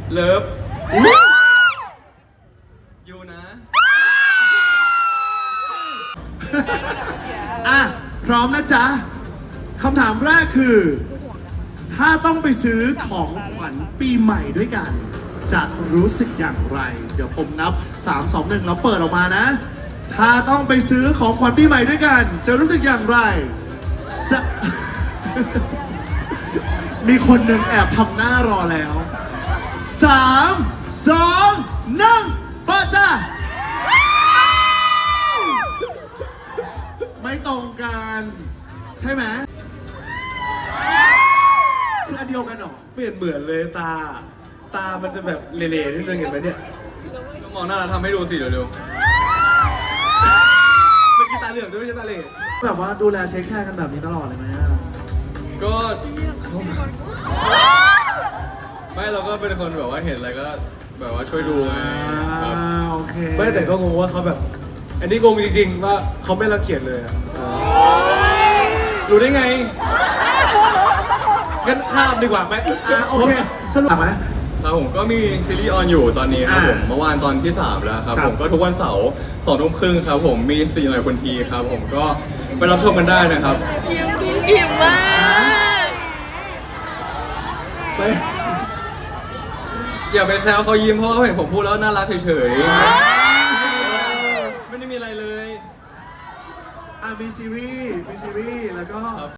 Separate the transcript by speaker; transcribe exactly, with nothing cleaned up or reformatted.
Speaker 1: เลิฟยูนะ
Speaker 2: อ่ะพร้อมนะจ๊ะคำถามแรกคือ ถ้าต้องไปซื้อของขวัญปีใหม่ด้วยกัน จะรู้สึกอย่างไร เดี๋ยวผมนับสาม สอง หนึ่งแล้วเปิดออกมานะ ถ้าต้องไปซื้อของขวัญปีใหม่ด้วยกัน จะรู้สึกอย่างไรส มีคนหนึ่งแอบทำหน้ารอแล้วสาม สอง หนึ่งเปิดจ้าไม่ตรงกันใช่ไหมคืออันเดียวกันเหรอ
Speaker 3: เปลี่ยนเหมือนเลยตา ตามันจะแบบเละๆนิดนึงเห็นไหมเนี่ย
Speaker 1: ก็มองหน้าทำให้ดูสิเร็ว
Speaker 3: เมื่อกี้ตาเหลืองด้วยไม่ใช่ตาเหล่
Speaker 2: แบบว่าดูแลเทคแคร์กันแบบนี้ตลอดเลยไหมอะ
Speaker 1: ๆก็ไม่เราก็เป็นคนแบบว่าเห็นอะไรก็แบบว่าช่วยดูไงครับ
Speaker 2: อ่าโอเค
Speaker 3: ไม่แต่ก็งงว่าเขาแบบ อันนี้งงจริงๆว่าเขาไม่รังเกียจเลยอะรู้ได้ไงงั้นข้ามดีกว่าไหม
Speaker 2: อ่าโอเคสรุปไหม
Speaker 1: ครับผมก็มีซีรีส์ออนอยู่ตอนนี้ครับ
Speaker 2: อ่า
Speaker 1: ผมเมื่อวานตอนที่สามแล้วครับ
Speaker 2: ครับ
Speaker 1: ผมก็ทุกวันเสาร์สองทุ่มครึ่งครับผมมีสี่หน่อยคนทีครับผมก็ไปรับชมกันได้นะครับ
Speaker 4: ยิ้มอิ่มมาก
Speaker 2: ไป
Speaker 1: อย่าไปแซวเขายิ้มเพราะเขาเห็นผมพูดแล้วน่ารักเฉยๆไม่ได้มีอะไรเลย
Speaker 2: อ่ามีซีรีส์มีซีรีส์แล้วก็